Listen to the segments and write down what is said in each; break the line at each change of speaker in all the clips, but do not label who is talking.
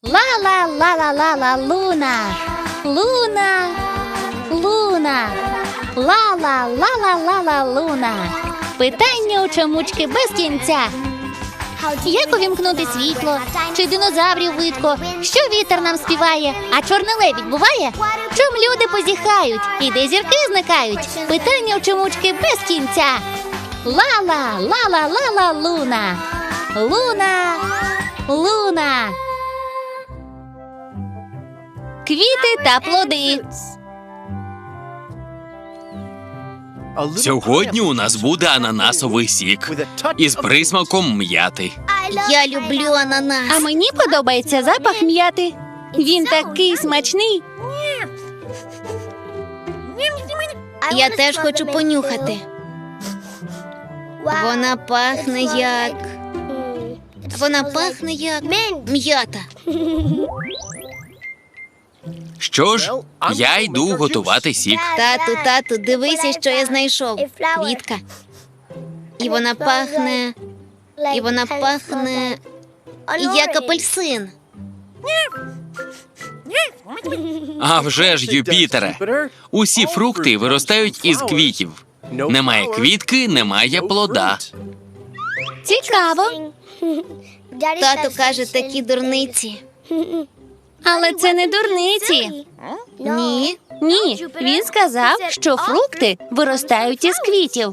Ла-ла-ла-ла-ла-ла, Луна. Луна. Луна. Ла-ла-ла-ла-ла-ла, Луна. Питання у чомучки без кінця. Як увімкнути світло? Чи динозаврів видко? Що вітер нам співає? А чорний лебідь буває? Чом люди позіхають? І де зірки зникають? Питання у чомучки без кінця. Ла-ла, ла-ла-ла-ла, Луна. Луна. Луна. Квіти та плоди.
Сьогодні у нас буде ананасовий сік із присмаком м'яти.
Я люблю ананас.
А мені подобається запах м'яти. Він такий смачний.
Я теж хочу понюхати. Вона пахне як... м'ята.
Що ж, я йду готувати сік.
Тату, дивися, що я знайшов. Квітка. І вона пахне як апельсин.
А вже ж, Юпітере, усі фрукти виростають із квітів. Немає квітки, немає плода.
Цікаво.
Тато каже такі дурниці.
Але це не дурниці.
Ні.
Ні, він сказав, що фрукти виростають із квітів.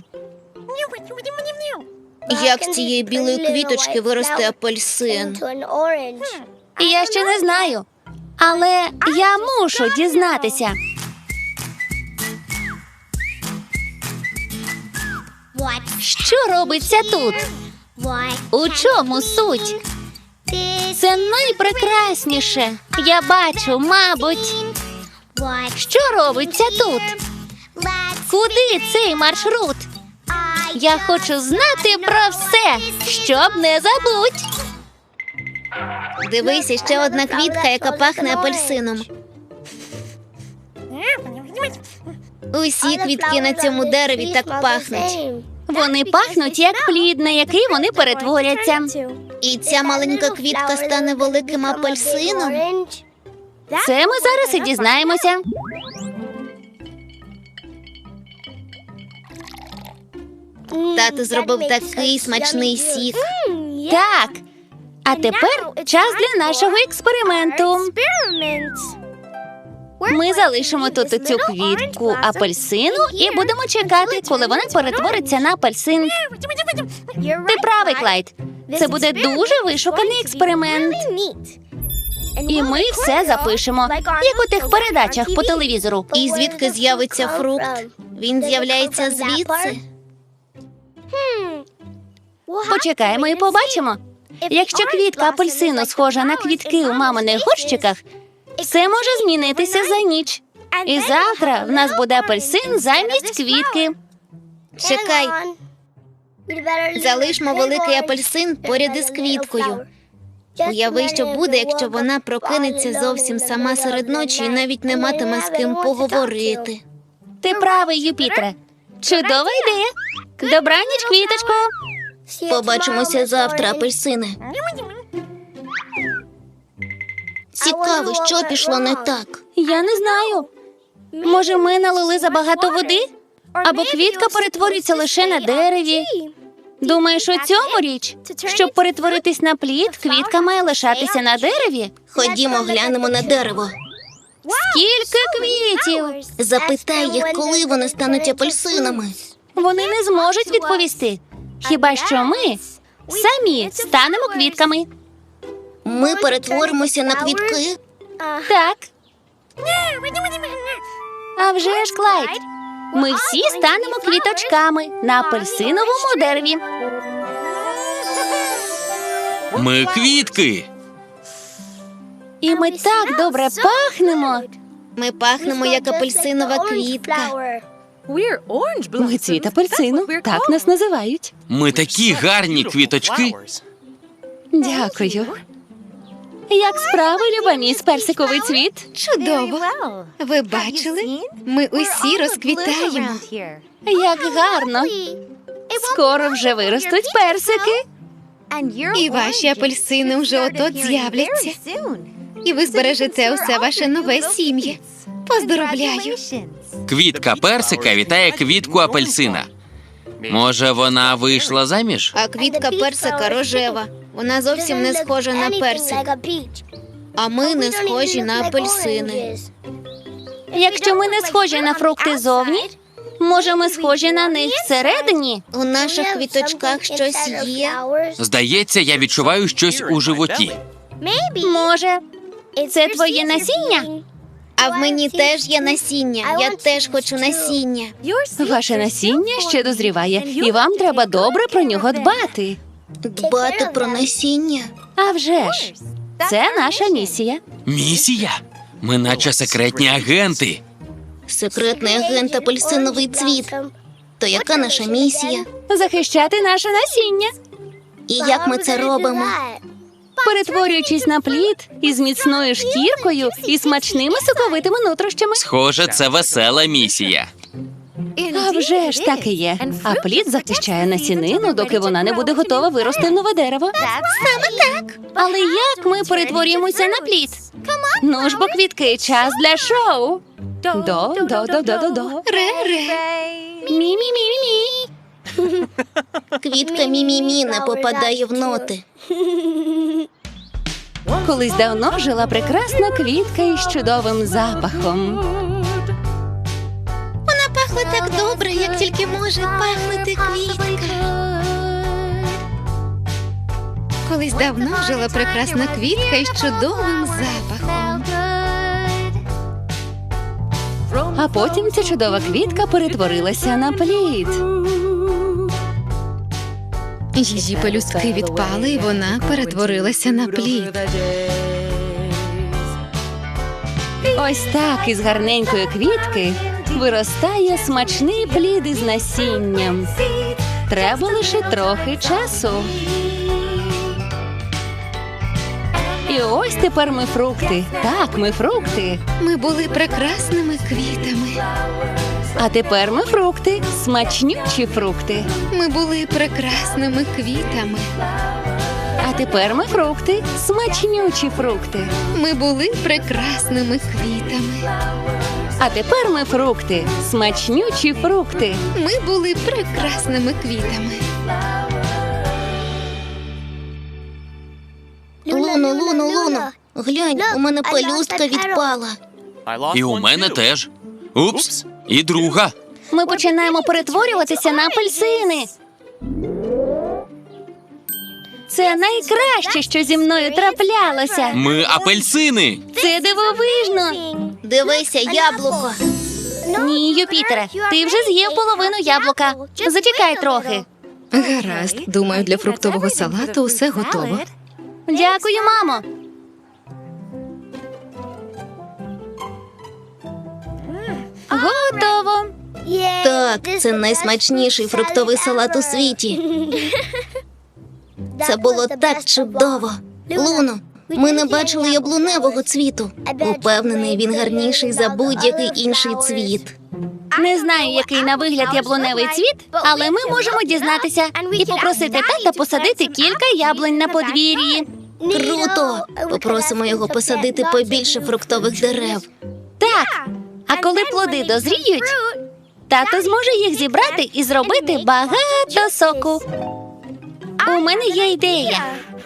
Як з цієї білої квіточки виросте апельсин?
Я ще не знаю. Але я мушу дізнатися. Що робиться тут? У чому суть? Це найпрекрасніше. Я бачу, мабуть. Що робиться тут? Куди цей маршрут? Я хочу знати про все, щоб не забудь.
Дивися, ще одна квітка, яка пахне апельсином. Усі квітки на цьому дереві так пахнуть.
Вони пахнуть, як плід, на який вони перетворяться.
І ця маленька квітка стане великим апельсином?
Це ми зараз і дізнаємося.
Тато зробив такий смачний сік.
Так. А тепер час для нашого експерименту. Ми залишимо тут цю квітку апельсину і будемо чекати, коли вона перетвориться на апельсин. Ти правий, Клайд. Це буде дуже вишуканий експеримент. І ми все запишемо, як у тих передачах по телевізору.
І звідки з'явиться фрукт? Він з'являється звідси?
Почекаємо і побачимо. Якщо квітка апельсину схожа на квітки у маминих горщиках, все може змінитися за ніч. І завтра в нас буде апельсин замість квітки.
Чекай. Залишмо великий апельсин поряд із квіткою. Уяви, що буде, якщо вона прокинеться зовсім сама серед ночі і навіть не матиме з ким поговорити.
Ти правий, Юпітере. Чудова ідея. Добраніч, квіточко.
Побачимося завтра, апельсине. Цікаво, що пішло не так.
Я не знаю. Може, ми налили забагато води? Або квітка перетворюється лише на дереві. Думаєш, у цьому річ? Щоб перетворитись на плід, квітка має лишатися на дереві?
Ходімо, глянемо на дерево.
Скільки квітів?
Запитай їх, коли вони стануть апельсинами.
Вони не зможуть відповісти. Хіба що ми самі станемо квітками.
Ми перетворимося на квітки.
Так. А вже ж, Клайд. Ми всі станемо квіточками на апельсиновому дереві.
Ми квітки.
І ми так добре пахнемо.
Ми пахнемо, як апельсинова квітка.
Ми цвіт апельсину, так нас називають.
Ми такі гарні квіточки.
Дякую. Як справи, люба міс персиковий цвіт?
Чудово. Ви бачили? Ми усі розквітаємо.
Як гарно. Скоро вже виростуть персики.
І ваші апельсини вже от-от з'являться. І ви збережете усе ваше нове сім'я. Поздоровляю.
Квітка персика вітає квітку апельсина. Може, вона вийшла заміж?
А квітка персика рожева. Вона зовсім не схожа на персик. А ми не схожі на апельсини.
Якщо ми не схожі на фрукти зовні, може ми схожі на них всередині?
У наших квіточках щось є.
Здається, я відчуваю щось у животі.
Може, це твоє насіння?
А в мені теж є насіння. Я теж хочу насіння.
Ваше насіння ще дозріває, і вам треба добре про нього дбати.
Дбати про насіння.
А вже ж, це наша місія.
Місія? Ми наче секретні агенти.
Секретний агент апельсиновий цвіт. То яка наша місія?
Захищати наше насіння,
І як ми це робимо?
перетворюючись на плід із міцною шкіркою і смачними соковитими нутрощами.
Схоже, це весела місія.
А вже ж так і є. А плід захищає насінину, доки вона не буде готова вирости в нове дерево. Саме так. Але як ми перетворюємося на плід? Ну ж бо, квітки, час для шоу. До.
Ре-ре.
Мі-мі-мі-мі.
Квітка мі-мі-мі не попадає в ноти.
Колись давно жила прекрасна квітка із чудовим запахом.
Вона пахла так добре, як тільки може пахнути квітка.
Колись давно жила прекрасна квітка із чудовим запахом.
А потім ця чудова квітка перетворилася на плід.
Її пелюстки відпали, і вона перетворилася на плід.
Ось так із гарненької квітки виростає смачний плід із насінням. Треба лише трохи часу. І ось тепер ми фрукти. Так, ми фрукти.
Ми були прекрасними квітами.
А тепер ми фрукти, смачнючі фрукти.
Ми були прекрасними квітами.
А тепер ми фрукти, смачнючі фрукти.
Ми були прекрасними квітами.
А тепер ми фрукти, смачнючі фрукти.
Ми були прекрасними квітами.
Луно. Глянь, у мене пелюстка відпала.
І у мене теж. Упс, і друга.
Ми починаємо перетворюватися на апельсини. Це найкраще, що зі мною траплялося.
Ми апельсини.
Це дивовижно.
Дивися, яблуко.
Ні, Юпітере, ти вже з'їв половину яблука. Зачекай трохи.
Гаразд, думаю, для фруктового салату усе готово.
Дякую, мамо. Готово.
Так, це найсмачніший фруктовий салат у світі. Це було так чудово. Луно, ми не бачили яблуневого цвіту. Упевнений, він гарніший за будь-який інший цвіт.
Не знаю, який на вигляд яблуневий цвіт, але ми можемо дізнатися і попросити тата посадити кілька яблунь на подвір'ї.
Круто! Попросимо його посадити побільше фруктових дерев.
Так, а коли плоди дозріють, тато зможе їх зібрати і зробити багато соку. У мене є ідея.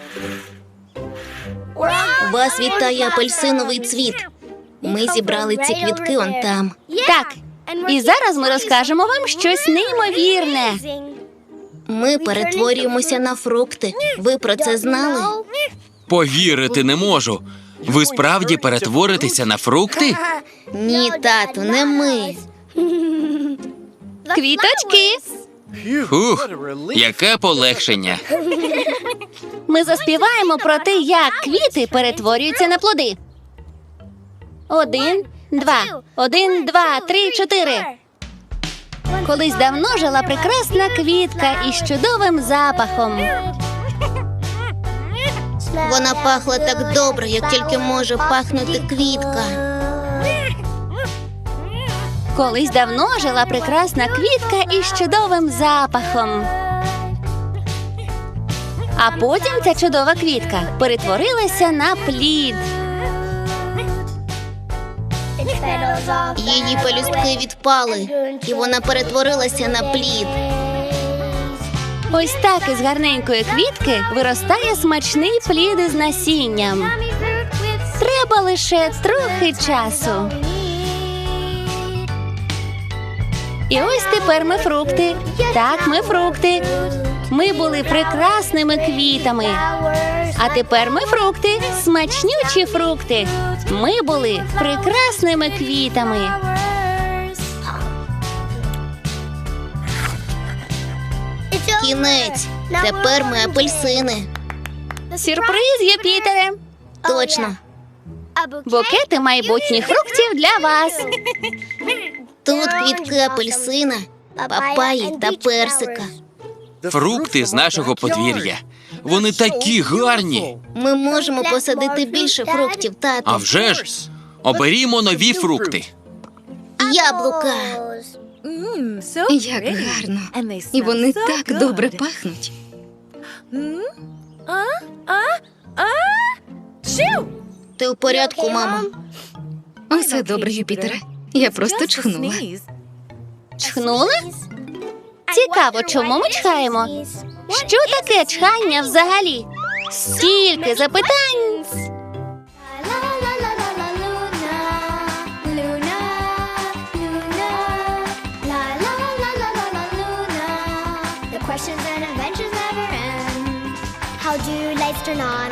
Вас вітає апельсиновий цвіт. Ми зібрали ці квітки он там.
Так, і зараз ми розкажемо вам щось неймовірне.
Ми перетворюємося на фрукти. Ви про це знали?
Повірити не можу. Ви справді перетворитеся на фрукти?
Ні, тату, не ми.
Квіточки.
Фух, яке полегшення.
Ми заспіваємо про те, як квіти перетворюються на плоди. 1, 2, 1, 2, 3, 4. Колись давно жила прекрасна квітка із чудовим запахом.
Вона пахла так добре, як тільки може пахнути квітка.
Колись давно жила прекрасна квітка із чудовим запахом. А потім ця чудова квітка перетворилася на плід.
Її пелюстки відпали, і вона перетворилася на плід.
Ось так із гарненької квітки виростає смачний плід із насінням. Треба лише трохи часу. І ось тепер ми фрукти. Так, ми фрукти. Ми були прекрасними квітами. А тепер ми фрукти, смачнючі фрукти. Ми були прекрасними квітами.
Кінець. Тепер ми апельсини.
Сюрприз, Юпітере!
Точно.
Букети майбутніх фруктів для вас.
Тут квітки апельсина, папаї та персика.
Фрукти з нашого подвір'я. Вони такі гарні.
Ми можемо посадити більше фруктів,
А
тату.
вже ж, оберімо нові фрукти.
Яблука.
Як гарно. І вони так добре пахнуть.
Ти у порядку, мамо?
Усе добре, Юпітере. Я просто чхнула.
Чхнули? Цікаво, чому ми чхаємо? Що таке чхання взагалі? Стільки запитань!
The questions and adventures never end. How do lights turn on